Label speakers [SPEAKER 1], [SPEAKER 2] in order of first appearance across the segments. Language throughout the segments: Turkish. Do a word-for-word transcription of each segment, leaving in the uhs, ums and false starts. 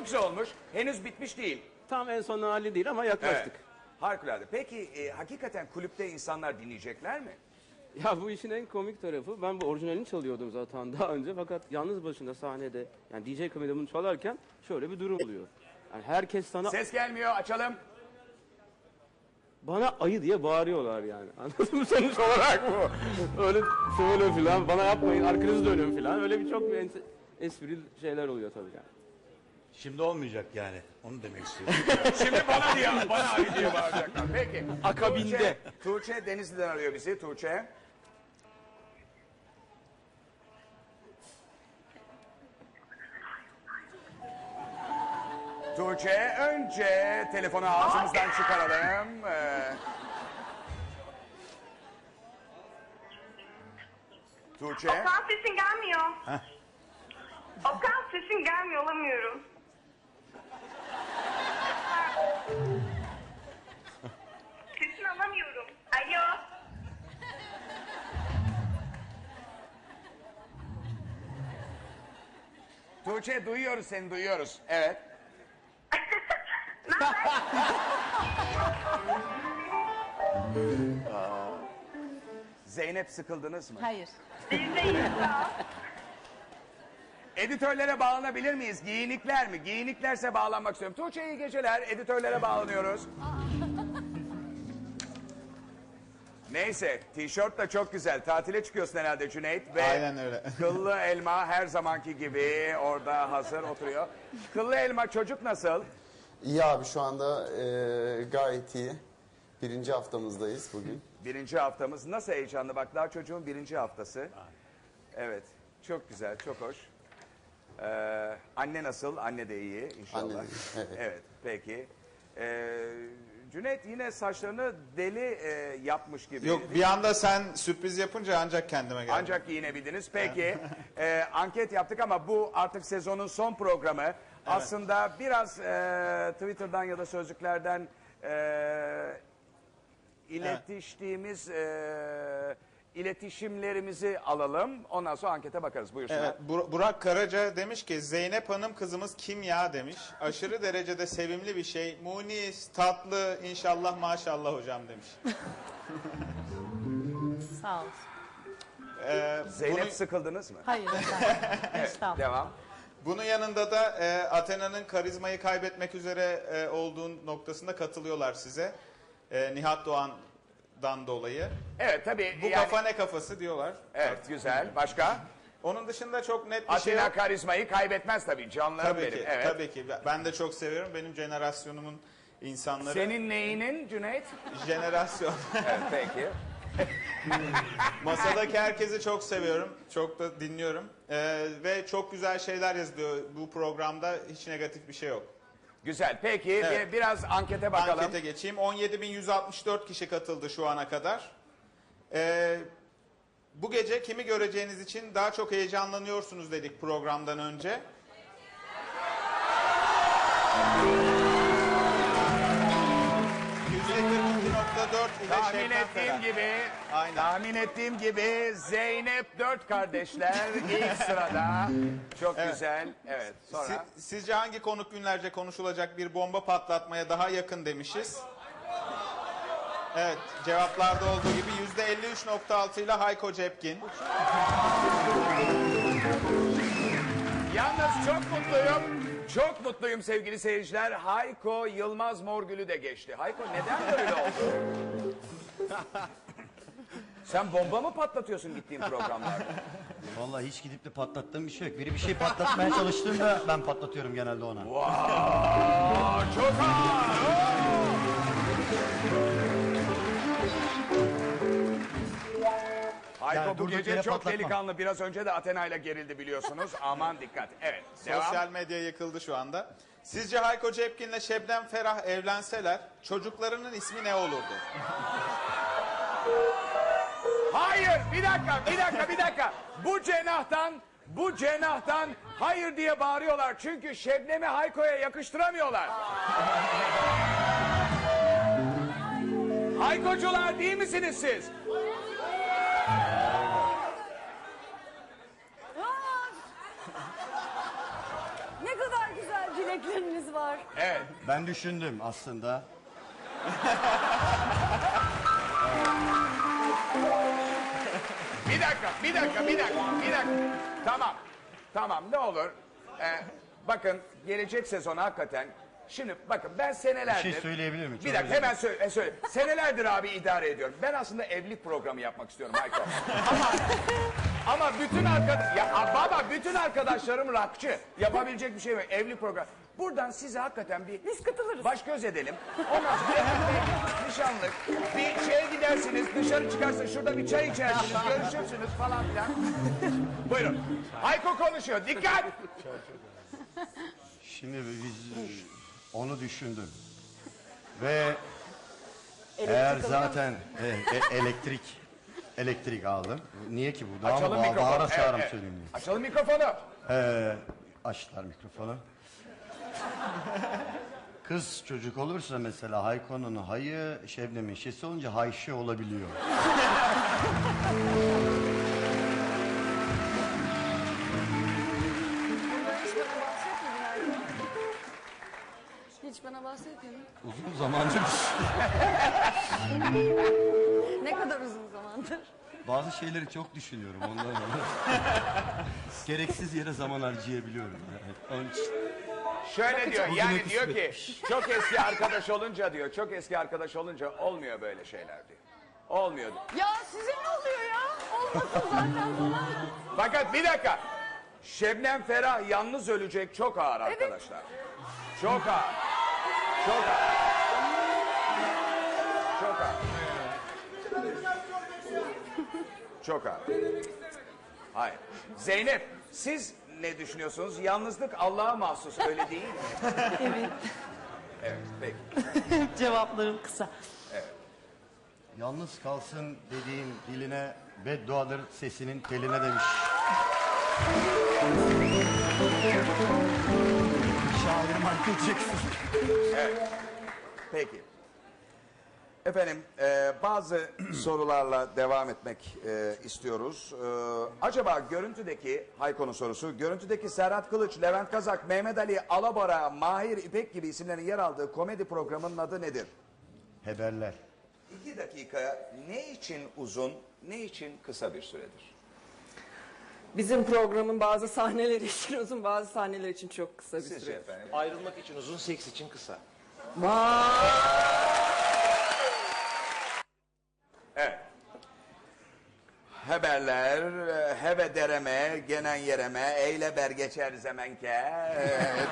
[SPEAKER 1] Çok güzel olmuş. Henüz bitmiş değil.
[SPEAKER 2] Tam en son hali değil ama yaklaştık.
[SPEAKER 1] Evet. Harikulade. Peki e, hakikaten kulüpte insanlar dinleyecekler mi?
[SPEAKER 2] Ya bu işin en komik tarafı, ben bu orijinalini çalıyordum zaten daha önce, fakat yalnız başında sahnede, yani D J kabinde bunu çalarken şöyle bir durum oluyor. Yani herkes sana
[SPEAKER 1] Ses gelmiyor, açalım.
[SPEAKER 2] bana ayı diye bağırıyorlar yani. Anladın mı sonuç olarak bu? Öyle şöyle filan, bana yapmayın, arkanızı dönün filan. Öyle bir çok bir es- esprili şeyler oluyor tabii yani.
[SPEAKER 3] Şimdi olmayacak yani. Onu demek istiyorum.
[SPEAKER 1] Şimdi bana diye, bana ayı diye bağıracaklar. Peki.
[SPEAKER 2] Akabinde.
[SPEAKER 1] Tuğçe, Tuğçe Denizli'den arıyor bizi. Tuğçe. Tuğçe, önce telefonu ağzımızdan çıkaralım. Ee, Tuğçe.
[SPEAKER 4] Okan sesin gelmiyor.
[SPEAKER 3] Heh.
[SPEAKER 4] Okan sesin gelmiyor, alamıyorum. Sesini alamıyorum. Alo.
[SPEAKER 1] Tuğçe duyuyoruz seni, duyuyoruz. Evet. Zeynep, sıkıldınız mı?
[SPEAKER 5] Hayır.
[SPEAKER 4] Bizdeyiz sağ ol.
[SPEAKER 1] Editörlere bağlanabilir miyiz? Giyinikler mi? Giyiniklerse bağlanmak istiyorum. Tuğçe, iyi geceler. Editörlere bağlanıyoruz. Neyse, tişört de çok güzel. Tatile çıkıyorsun herhalde Cüneyt. Ve
[SPEAKER 6] Aynen öyle.
[SPEAKER 1] Kıllı Elma her zamanki gibi orada hazır oturuyor. Kıllı Elma, çocuk nasıl?
[SPEAKER 7] İyi abi, şu anda e, gayet iyi. Birinci haftamızdayız bugün.
[SPEAKER 1] Birinci haftamız. Nasıl heyecanlı, bak daha çocuğun birinci haftası. Evet, çok güzel, çok hoş. Ee, anne nasıl? Anne de iyi inşallah.
[SPEAKER 7] Anne de iyi, evet.
[SPEAKER 1] Evet, peki. Ee, Cüneyt yine saçlarını deli e, yapmış gibi.
[SPEAKER 6] Yok, bir anda sen sürpriz yapınca ancak kendime geldim.
[SPEAKER 1] Ancak giyinebildiniz. Peki, e, anket yaptık ama bu artık sezonun son programı. Aslında biraz e, Twitter'dan ya da sözlüklerden e, iletiştiğimiz e, iletişimlerimizi alalım. Ondan sonra ankete bakarız. Buyursunlar.
[SPEAKER 6] Evet, Bur- Burak Karaca demiş ki Zeynep Hanım kızımız kim ya demiş. Aşırı derecede sevimli bir şey. Munis, tatlı, inşallah maşallah hocam demiş.
[SPEAKER 5] Sağ ol.
[SPEAKER 6] Ee,
[SPEAKER 1] Zeynep,
[SPEAKER 6] bunu-
[SPEAKER 1] sıkıldınız mı?
[SPEAKER 5] Hayır efendim. Estağfurullah.
[SPEAKER 1] Devam.
[SPEAKER 6] Bunun yanında da e, Athena'nın karizmayı kaybetmek üzere e, olduğu noktasında katılıyorlar size. E, Nihat Doğan'dan dolayı.
[SPEAKER 1] Evet tabii.
[SPEAKER 6] Bu
[SPEAKER 1] yani,
[SPEAKER 6] kafa ne kafası diyorlar.
[SPEAKER 1] Evet, güzel. Başka?
[SPEAKER 6] Onun dışında çok net bir şey
[SPEAKER 1] Athena
[SPEAKER 6] yok.
[SPEAKER 1] karizmayı kaybetmez tabii. Canlarım
[SPEAKER 6] Tabii
[SPEAKER 1] benim.
[SPEAKER 6] ki,
[SPEAKER 1] Evet.
[SPEAKER 6] tabii ki. Ben de çok seviyorum. Benim jenerasyonumun insanları.
[SPEAKER 1] Senin neyinin Cüneyt?
[SPEAKER 6] Jenerasyon.
[SPEAKER 1] Evet, peki.
[SPEAKER 6] Masadaki herkesi çok seviyorum. Çok da dinliyorum. Ee, ve çok güzel şeyler yazılıyor. Bu programda hiç negatif bir şey yok.
[SPEAKER 1] Güzel. Peki
[SPEAKER 6] Evet.
[SPEAKER 1] bir, biraz ankete bakalım.
[SPEAKER 6] Ankete geçeyim. on yedi bin yüz altmış dört kişi katıldı şu ana kadar. Ee, bu gece kimi göreceğiniz için daha çok heyecanlanıyorsunuz dedik programdan önce. yüzde kırk iki nokta dört ile
[SPEAKER 1] Tahmin
[SPEAKER 6] Şebnem
[SPEAKER 1] ettiğim
[SPEAKER 6] Ferah.
[SPEAKER 1] gibi,
[SPEAKER 6] Aynen.
[SPEAKER 1] tahmin ettiğim gibi Zeynep dört kardeşler ilk sırada. Çok
[SPEAKER 6] Evet.
[SPEAKER 1] güzel. Evet. Sonra.
[SPEAKER 6] Si- sizce hangi konuk günlerce konuşulacak bir bomba patlatmaya daha yakın demişiz? Evet, cevaplarda olduğu gibi yüzde elli üç nokta altı ile Hayko Cepkin.
[SPEAKER 1] Yalnız çok mutluyum. Çok mutluyum sevgili seyirciler. Hayko Yılmaz Morgül'ü de geçti. Hayko neden böyle oldu? Sen bomba mı patlatıyorsun gittiğin programlarda?
[SPEAKER 3] Vallahi hiç gidip de patlattığım bir şey yok. Biri bir şey patlatmaya çalıştığında ben patlatıyorum genelde ona.
[SPEAKER 1] Aa, çok ağır. Oo! Hayko
[SPEAKER 3] Yani
[SPEAKER 1] bu
[SPEAKER 3] durduk
[SPEAKER 1] gece
[SPEAKER 3] yere
[SPEAKER 1] çok
[SPEAKER 3] patlatmam.
[SPEAKER 1] delikanlı. Biraz önce de Athena ile gerildi biliyorsunuz. Aman dikkat. Evet. Devam.
[SPEAKER 6] Sosyal medya yıkıldı şu anda. Sizce Hayko Cepkin'le Şebnem Ferah evlenseler çocuklarının ismi ne olurdu?
[SPEAKER 1] Hayır, bir dakika, bir dakika, bir dakika. Bu cenahtan, bu cenahtan hayır diye bağırıyorlar. Çünkü Şebnem'i Hayko'ya yakıştıramıyorlar. Haykocular değil misiniz siz?
[SPEAKER 5] Ne kadar güzel dilek. yetenekleriniz var.
[SPEAKER 1] Evet.
[SPEAKER 3] Ben düşündüm aslında.
[SPEAKER 1] Bir dakika, bir dakika, bir dakika, bir dakika. Tamam, tamam ne olur. Ee, bakın gelecek sezon hakikaten. Şimdi bakın ben senelerdir...
[SPEAKER 3] Bir şey söyleyebilir miyim?
[SPEAKER 1] Bir
[SPEAKER 3] Çok
[SPEAKER 1] dakika
[SPEAKER 3] özür
[SPEAKER 1] hemen söyle, e, söyle. Senelerdir abi idare ediyorum. Ben aslında evlilik programı yapmak istiyorum Hayko. ama, ama bütün arkadaş... Ya a, baba bütün arkadaşlarım rockçı. Yapabilecek bir şey yok. Evlilik programı. Buradan size hakikaten bir...
[SPEAKER 5] Biz katılırız.
[SPEAKER 1] Baş göz edelim. Ondan sonra evlilik, nişanlık. Bir şeye gidersiniz, dışarı çıkarsınız, şurada bir çay içersiniz, görüşürsünüz falan filan. Buyurun. Hayko konuşuyor. Dikkat!
[SPEAKER 3] Şimdi biz onu düşündüm. Ve eğer zaten e, e, elektrik elektrik aldım. Niye ki bu? Daha mı
[SPEAKER 1] Açalım
[SPEAKER 3] bağ-
[SPEAKER 1] mikrofonu.
[SPEAKER 3] bağıra
[SPEAKER 1] Evet,
[SPEAKER 3] çağırım
[SPEAKER 1] evet.
[SPEAKER 3] söyleyeyim diye.
[SPEAKER 1] Açalım mikrofonu.
[SPEAKER 3] Ee, açtılar mikrofonu. Kız çocuk olursa mesela Hayko'nun hayı, Şebnem'in şesi olunca Hayşe olabiliyor.
[SPEAKER 5] Hiç bana bahsetmedin.
[SPEAKER 3] Uzun zamandır
[SPEAKER 5] Ne kadar uzun zamandır.
[SPEAKER 3] bazı şeyleri çok düşünüyorum ondan dolayı. Gereksiz yere zaman harcayabiliyorum. Yani. Onun için
[SPEAKER 1] Şöyle diyor
[SPEAKER 3] Bugüne
[SPEAKER 1] yani diyor ki
[SPEAKER 3] kısmetmiş.
[SPEAKER 1] çok eski arkadaş olunca diyor çok eski arkadaş olunca olmuyor böyle şeyler diyor. Olmuyor diyor.
[SPEAKER 5] Ya size ne oluyor ya? Olmasın zaten falan.
[SPEAKER 1] Fakat bir dakika. Şebnem Ferah yalnız ölecek çok ağır arkadaşlar. Çok ağır. Çok ağır. Çok ağır. Çok ağır. Hayır. Zeynep siz ne düşünüyorsunuz? Yalnızlık Allah'a mahsus öyle değil mi?
[SPEAKER 5] Evet.
[SPEAKER 1] Evet peki.
[SPEAKER 5] Cevaplarım kısa.
[SPEAKER 3] yalnız kalsın dediğin diline bedduadır sesinin teline demiş. Şair Michael Jackson.
[SPEAKER 1] Evet. Peki. Efendim e, bazı sorularla devam etmek e, istiyoruz. E, acaba görüntüdeki, Hayko'nun sorusu, görüntüdeki Serhat Kılıç, Levent Kazak, Mehmet Ali Alabora, Mahir İpek gibi isimlerin yer aldığı komedi programının adı nedir?
[SPEAKER 3] Haberler.
[SPEAKER 1] İki dakika ne için uzun, ne için kısa bir süredir?
[SPEAKER 8] Bizim programın bazı sahneleri için uzun, bazı sahneler için çok kısa bir
[SPEAKER 1] Sizce
[SPEAKER 8] süre.
[SPEAKER 1] efendim?
[SPEAKER 9] Ayrılmak için uzun, seks için kısa.
[SPEAKER 1] Evet. Haberler, e, heve dereme, genen yereme, eyle ber geçer zemenke. Evet.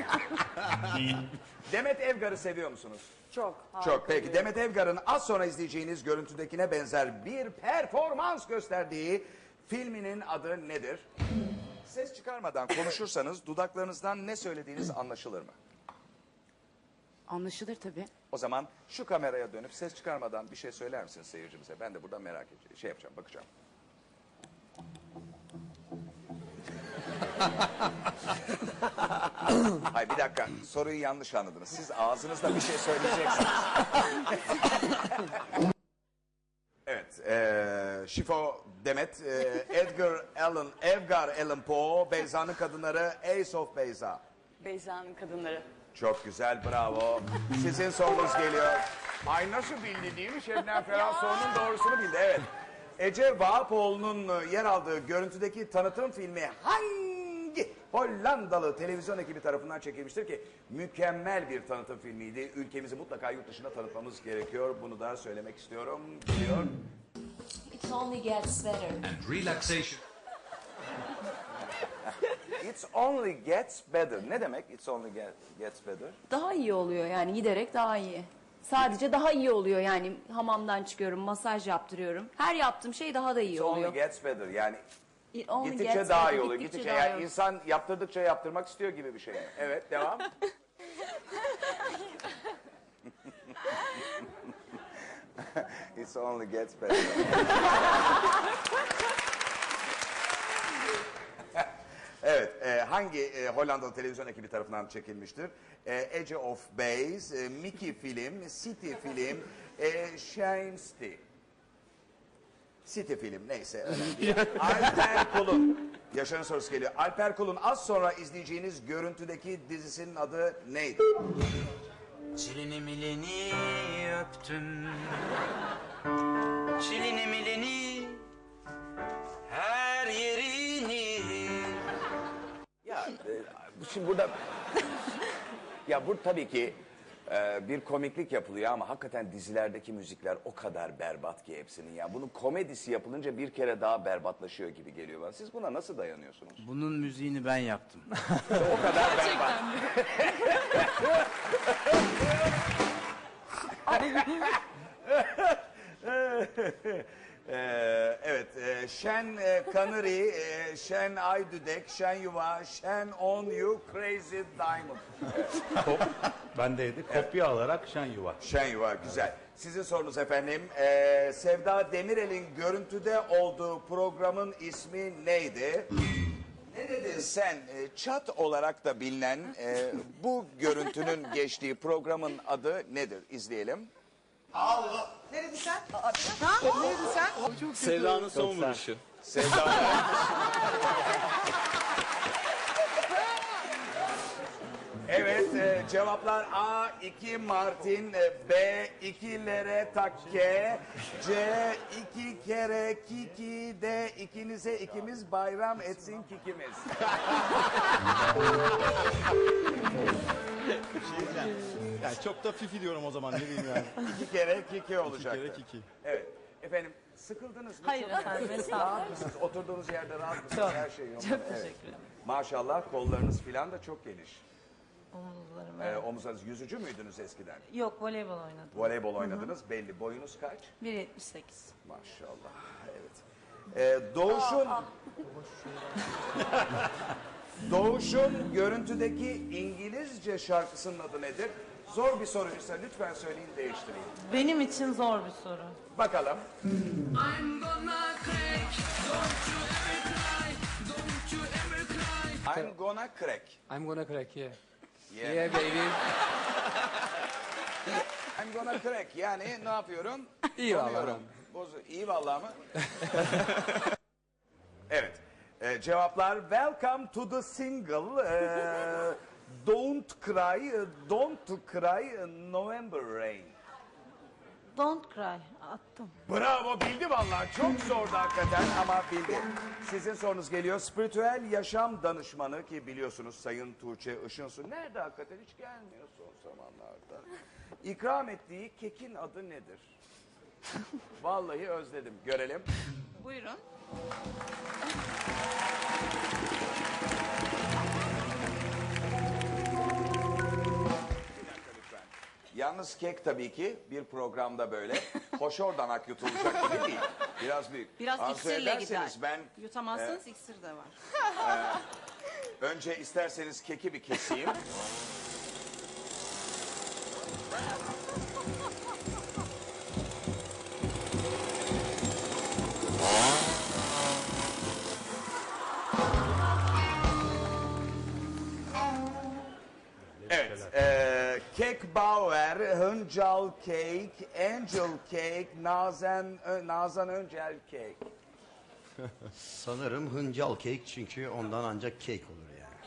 [SPEAKER 1] Demet Evgar'ı seviyor musunuz?
[SPEAKER 8] Çok.
[SPEAKER 1] Çok peki. Demet Evgar'ın az sonra izleyeceğiniz görüntüdekine benzer bir performans gösterdiği filminin adı nedir? Ses çıkarmadan konuşursanız dudaklarınızdan ne söylediğiniz anlaşılır mı?
[SPEAKER 10] Anlaşılır tabii.
[SPEAKER 1] O zaman şu kameraya dönüp ses çıkarmadan bir şey söyler misiniz seyircimize? Ben de buradan merak edeceğim. Şey yapacağım, bakacağım. Hayır bir dakika. Soruyu yanlış anladınız. Siz ağzınızla bir şey söyleyeceksiniz. Evet. E, Şifo Demet, e, Edgar Allan, Edgar Allan Poe, Beyza'nın kadınları, Ace of Beyza.
[SPEAKER 5] Beyza'nın kadınları.
[SPEAKER 1] Çok güzel, bravo. Sizin sorunuz geliyor. Ay nasıl bildi değil mi? Şebnem Ferah sorunun doğrusunu bildi, evet. Ece Vahapoğlu'nun yer aldığı görüntüdeki tanıtım filmi hangi Hollandalı televizyon ekibi tarafından çekilmiştir ki? Mükemmel bir tanıtım filmiydi. Ülkemizi mutlaka yurt dışına tanıtmamız gerekiyor. Bunu da söylemek istiyorum. Biliyor.
[SPEAKER 10] It only gets better.
[SPEAKER 9] And relaxation.
[SPEAKER 1] It's only gets better. Ne demek? It's only get, gets better.
[SPEAKER 10] Daha iyi oluyor yani giderek daha iyi. Sadece daha iyi oluyor yani hamamdan çıkıyorum, masaj yaptırıyorum. Her yaptığım şey daha da iyi
[SPEAKER 1] It's only
[SPEAKER 10] oluyor.
[SPEAKER 1] gets better. Yani
[SPEAKER 10] It only
[SPEAKER 1] gittikçe
[SPEAKER 10] gets
[SPEAKER 1] daha
[SPEAKER 10] better,
[SPEAKER 1] iyi oluyor.
[SPEAKER 10] gittikçe
[SPEAKER 1] Gittikçe
[SPEAKER 10] daha
[SPEAKER 1] yani
[SPEAKER 10] iyi.
[SPEAKER 1] insan yaptırdıkça yaptırmak istiyor gibi bir şey. Evet, devam. It's only gets better. Evet, e, hangi e, Hollandalı televizyon ekibi tarafından çekilmiştir? E, Age of Base, e, Mickey Film, City Film, e, Shine City. City Film neyse önemli değil. Alper Kul'un Yaşar'ın sorusu geliyor. Alper Kul'un az sonra izleyeceğiniz görüntüdeki dizisinin adı neydi?
[SPEAKER 11] Çilini milini öptüm. Çilini milini her yerini.
[SPEAKER 1] Ya e, şimdi burada ya bu tabii ki e, bir komiklik yapılıyor ama hakikaten dizilerdeki müzikler o kadar berbat ki hepsinin ya. Bunun komedisi yapılınca bir kere daha berbatlaşıyor gibi geliyor bana. Siz buna nasıl dayanıyorsunuz?
[SPEAKER 11] Bunun müziğini ben yaptım.
[SPEAKER 1] O kadar berbat. Ee, evet, e, Şen e, Kanari, e, Şen Aydüdek, Şen Yuva, Şen On You, Crazy Diamond.
[SPEAKER 3] Ben de kopya alarak Şen Yuva.
[SPEAKER 1] Şen Yuva, güzel. Sizin sorunuz efendim. Ee, Sevda Demirel'in görüntüde olduğu programın ismi neydi? Ne dedin sen? Ee, Çat olarak da bilinen e, bu görüntünün geçtiği programın adı nedir? İzleyelim.
[SPEAKER 12] Allah. Ne dedin sen? Ha? Ne dedin sen?
[SPEAKER 2] Sevda'nın son vuruşu.
[SPEAKER 1] Sevda. Evet, e, cevaplar A iki Martin, e, B iki Lere Takke, C iki kere Kiki, D ikinize ikimiz bayram etsin kikimiz.
[SPEAKER 3] Yani çok da fifi diyorum o zaman ne diyeyim yani.
[SPEAKER 1] İki kere Kiki olacaktı.
[SPEAKER 3] kere Kiki.
[SPEAKER 1] Evet. Efendim sıkıldınız mı?
[SPEAKER 5] Hayır
[SPEAKER 1] Çok-
[SPEAKER 5] efendim, estağfurullah.
[SPEAKER 1] Rahat mısınız? Oturduğunuz yerde rahat mısınız?
[SPEAKER 5] Çok,
[SPEAKER 1] Her şey yolunda.
[SPEAKER 5] çok
[SPEAKER 1] Evet.
[SPEAKER 5] teşekkür ederim.
[SPEAKER 1] Maşallah kollarınız filan da çok geniş.
[SPEAKER 5] Omuzlarım.
[SPEAKER 1] Ee, omuzlarınız yüzücü müydünüz eskiden?
[SPEAKER 5] Yok, voleybol oynadım.
[SPEAKER 1] Voleybol oynadınız belli. Boyunuz kaç?
[SPEAKER 5] bir yetmiş sekiz.
[SPEAKER 1] Maşallah. Evet. Ee, Doğuş'un Doğuş'un görüntüdeki İngilizce şarkısının adı nedir? Zor bir soruysa lütfen söyleyin değiştireyim.
[SPEAKER 5] Benim için zor bir soru.
[SPEAKER 1] Bakalım.
[SPEAKER 11] I'm gonna crack, don't you ever cry, don't you ever cry.
[SPEAKER 1] I'm gonna crack.
[SPEAKER 9] I'm gonna crack, yeah.
[SPEAKER 1] Yeah.
[SPEAKER 9] Yeah, baby.
[SPEAKER 1] I'm gonna crack. Yani ne yapıyorum?
[SPEAKER 9] İyi vallahi.
[SPEAKER 1] Donuyorum. Bozu. İyi vallahi mı? Evet. Ee, cevaplar Welcome to the single. Ee, don't cry, don't cry, November rain.
[SPEAKER 5] Don't cry. Attım.
[SPEAKER 1] Bravo, bildi vallahi. Çok zordu hakikaten ama bildi. Sizin sorunuz geliyor. Spiritüel yaşam danışmanı ki biliyorsunuz Sayın Tuğçe Işınsu. Nerede hakikaten hiç gelmiyor son zamanlarda. İkram ettiği kekin adı nedir? Vallahi özledim. Görelim.
[SPEAKER 5] Buyurun.
[SPEAKER 1] Yalnız kek tabii ki bir programda böyle hoşordan ak yutulacak gibi değil. Biraz büyük.
[SPEAKER 5] Biraz
[SPEAKER 1] Arzu
[SPEAKER 5] iksirle
[SPEAKER 1] ederseniz
[SPEAKER 5] gider.
[SPEAKER 1] Ben
[SPEAKER 5] Yutamazsanız iksir de var.
[SPEAKER 1] önce isterseniz keki bir keseyim. Evet, eee Kek Bauer, Hıncal Cake, Angel Cake, Nazan, Ö- Nazan Öncel Cake.
[SPEAKER 3] Sanırım hıncal kek çünkü ondan ancak kek olur yani.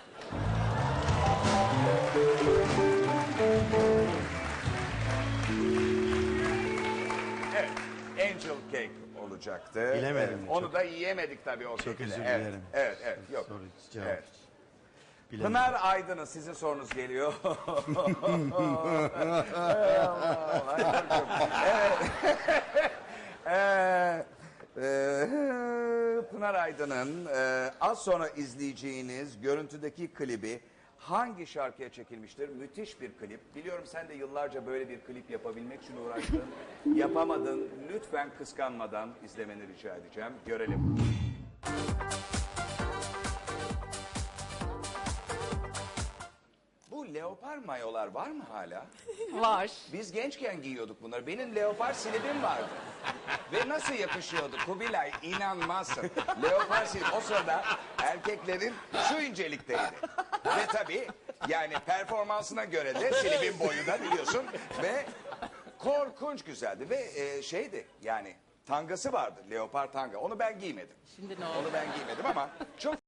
[SPEAKER 1] Evet, Angel Cake olacaktı.
[SPEAKER 3] Bilemedim.
[SPEAKER 1] Evet, onu
[SPEAKER 3] Çok-
[SPEAKER 1] da yiyemedik tabii o
[SPEAKER 3] Çok
[SPEAKER 1] şekilde.
[SPEAKER 3] özür
[SPEAKER 1] Evet,
[SPEAKER 3] dilerim.
[SPEAKER 1] Evet, evet, yok.
[SPEAKER 3] Soru cevap.
[SPEAKER 1] Evet.
[SPEAKER 3] Bilemedim.
[SPEAKER 1] Pınar Aydın'ın sizin sorunuz geliyor. evet. Ee, e, Pınar Aydın'ın e, az sonra izleyeceğiniz görüntüdeki klibi hangi şarkıya çekilmiştir? Müthiş bir klip. Biliyorum sen de yıllarca böyle bir klip yapabilmek için uğraştın. Yapamadın. Lütfen kıskanmadan izlemeni rica edeceğim. Görelim. Bu leopar mayolar var mı hala?
[SPEAKER 8] Var.
[SPEAKER 1] Biz gençken giyiyorduk bunları. Benim leopar silibim vardı. Ve nasıl yakışıyordu Kubilay, inanmazsın. Leopar silip o sırada erkeklerin şu incelikteydi. Ve tabii yani performansına göre de silibin boyu da biliyorsun. Ve korkunç güzeldi. Ve e, şeydi yani tangası vardı, leopar tanga. Onu ben giymedim.
[SPEAKER 5] Şimdi ne oldu?
[SPEAKER 1] Onu ben giymedim ama çok